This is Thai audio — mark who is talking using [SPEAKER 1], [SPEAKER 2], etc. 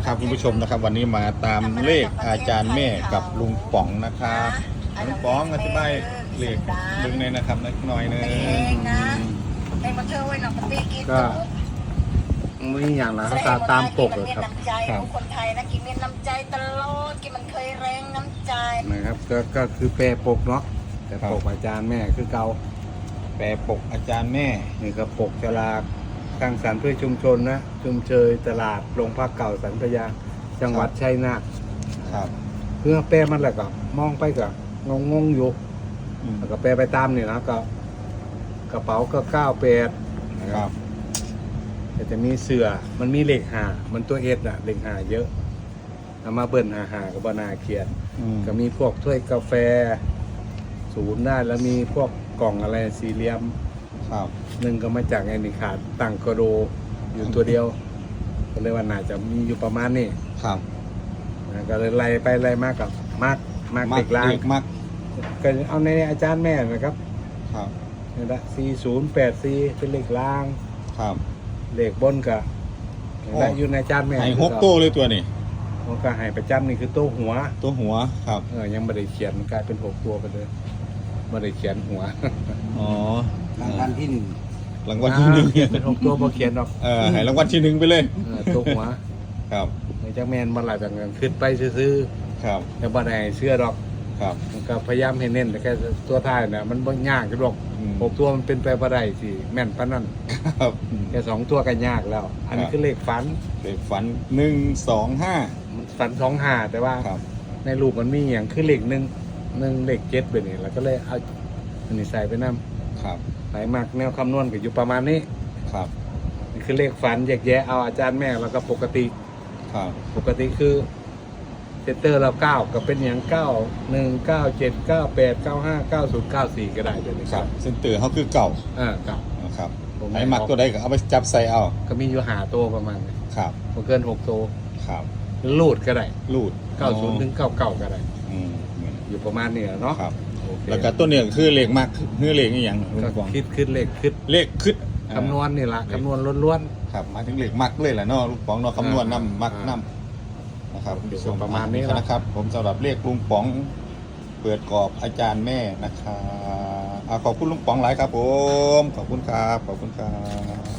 [SPEAKER 1] นะครับคุณผู้ชมนะครับวันนี้มาตามเลขอาจารย์แม่กับลุงป๋องนะครับลุงป๋องอธิบายเลขดึงในนะครับนิดหน่อยนึง
[SPEAKER 2] ก็ไม่อย่างนะตามปกเลยครับ
[SPEAKER 3] คนไทยนะกินมีน้ำใจตลอดกินมันเคยแรงน้ำใจ
[SPEAKER 2] นะครับก็คือแปรปกเนาะแต่ปกอาจารย์แม่คือเก่า
[SPEAKER 1] แปลปกอาจารย์แม่
[SPEAKER 2] นี่ก็ปกฉลากตั้งสรรค์เพื่อชุมชนนะชุมเชยตลาดโรงพักเก่าสันพยาจังหวัดชัยนาท
[SPEAKER 1] ครับ
[SPEAKER 2] เพื่อแปรมันแหละก็มองไปก็งงอยู่
[SPEAKER 1] อืม
[SPEAKER 2] แล้วก็แปรไปตามนี่นะก็กระเป๋าก็98นะค
[SPEAKER 1] ครั
[SPEAKER 2] รับบ แต่จะมีเสือมันมีเหล็กหามันตัวเอสอะเหล็กหาเยอะเอามาเบิ่นหากับบนาเขียน ก็มีพวกถ้วยกาแฟศูนย์ได้แล้วมีพวกกล่องอะไรสี่เหลี่ยม
[SPEAKER 1] ครับ
[SPEAKER 2] หนึ่งก็มาจากไอ้นี่ขาดตั้งกระโดอยู่ตัวเดียวก็เลยว่าน่าจะมีอยู่ประมาณนี้
[SPEAKER 1] ครับ
[SPEAKER 2] นะก็เลยไล่ไปไล่มากับมากเด็กล่าง
[SPEAKER 1] เด็กมัก
[SPEAKER 2] ก็เอาในอาจารย์แม่นะครับ
[SPEAKER 1] ครับ
[SPEAKER 2] นี่ละ4084เป็นเลขล่าง
[SPEAKER 1] ครับ
[SPEAKER 2] เลขบนก็และอยู่ในอาจารย์แม่
[SPEAKER 1] ให้หกโต้เลยตัวนี้
[SPEAKER 2] มันก็ให้ประจำนี่คือโต๊ะหัว
[SPEAKER 1] ตัวหัวครับ
[SPEAKER 2] ยังไม่ได้เขียนกลายเป็น6ตัวไปเลยไม่ได้เขียนหัว
[SPEAKER 1] อ๋อ
[SPEAKER 4] รางวัลที่หนึ่ง
[SPEAKER 1] รางวัลที่หนึ่ง
[SPEAKER 2] เขียนเป็น6ตัวพอเขียนหรอก
[SPEAKER 1] ให้รางวัลที่หนึ่งไปเลย
[SPEAKER 2] ตัวหัว
[SPEAKER 1] ครับ
[SPEAKER 2] ในจักแมนมาหลายแบบกันขึ้นไปซื้อ
[SPEAKER 1] ครับ
[SPEAKER 2] ๆแต่บ่ได้เชื่อหรอก
[SPEAKER 1] ครับ
[SPEAKER 2] มันก็พยายามให้เน้นแต่แค่ตัวท้ายน่ะมันบ่ยากหรอก
[SPEAKER 1] อืม
[SPEAKER 2] 6ตัวมันเป็นไปบ่ได้สิแม่นปานนั้น
[SPEAKER 1] ครับ
[SPEAKER 2] แค่2ตัวก็ยากแล้ว อันนี้
[SPEAKER 1] ครับ
[SPEAKER 2] คือเลขฝัน
[SPEAKER 1] เลขฝัน125
[SPEAKER 2] ฝัน25แต่ว่า
[SPEAKER 1] ครับ
[SPEAKER 2] ในรูปมันมีอย่างคือเลข1เลข7แบบนี้แล้วก็เลยเอาอันนี้ใส่ไปนำ
[SPEAKER 1] ครับ
[SPEAKER 2] ไปมากแนวคำนวณก็อยู่ประมาณนี้
[SPEAKER 1] ครับ
[SPEAKER 2] นี่คือเลขฝันแยกแยะเอาอาจารย์แม่แล้วก็ปกติ
[SPEAKER 1] ครับ
[SPEAKER 2] ปกติคือเซตเตอร์เรา9ก็เป็นอย่าง9 1 9 7 9 8 9 5 9 0 9 4ก็ได้เลยนะ
[SPEAKER 1] ค
[SPEAKER 2] ค
[SPEAKER 1] รั
[SPEAKER 2] รั
[SPEAKER 1] บบ เส้นตือเขาคือเก่า
[SPEAKER 2] ครับ
[SPEAKER 1] นะครับ
[SPEAKER 2] ผม
[SPEAKER 1] ไหนหมักตัวใดก็เอาไปจับใส่เอา
[SPEAKER 2] ก็มีอยู่หาตัวประมาณนี้
[SPEAKER 1] ครับ
[SPEAKER 2] บ่เกิน6ตัว
[SPEAKER 1] ครับ
[SPEAKER 2] ลูดก็ได้
[SPEAKER 1] รูด
[SPEAKER 2] 90ถึง99ก็ได้
[SPEAKER 1] อืม
[SPEAKER 2] อยู่ประมาณนี้แหละเนาะ
[SPEAKER 1] ครับ
[SPEAKER 2] โอเค
[SPEAKER 1] แล้วก็ตัวเนี่ยคือเลขมักคือเลขอหย่างลุง
[SPEAKER 2] ก็
[SPEAKER 1] ปอง
[SPEAKER 2] คิดเลขคิด
[SPEAKER 1] เลขคึด
[SPEAKER 2] คำนวณนี่ล่ะคำนวณล้วน
[SPEAKER 1] ครับหมายถึงเลขมักเลยแหละเนาะลุงปองเนาะคำนวณนำมักนำนะครับ
[SPEAKER 2] อยู่ประมาณนี้
[SPEAKER 1] นะครับ ผมสำหรับเลขลุงป๋องเปิดกรอบอาจารย์แม่นะครับขอบคุณลุงป๋องหลายครับผมขอบคุณครับขอบคุณครับ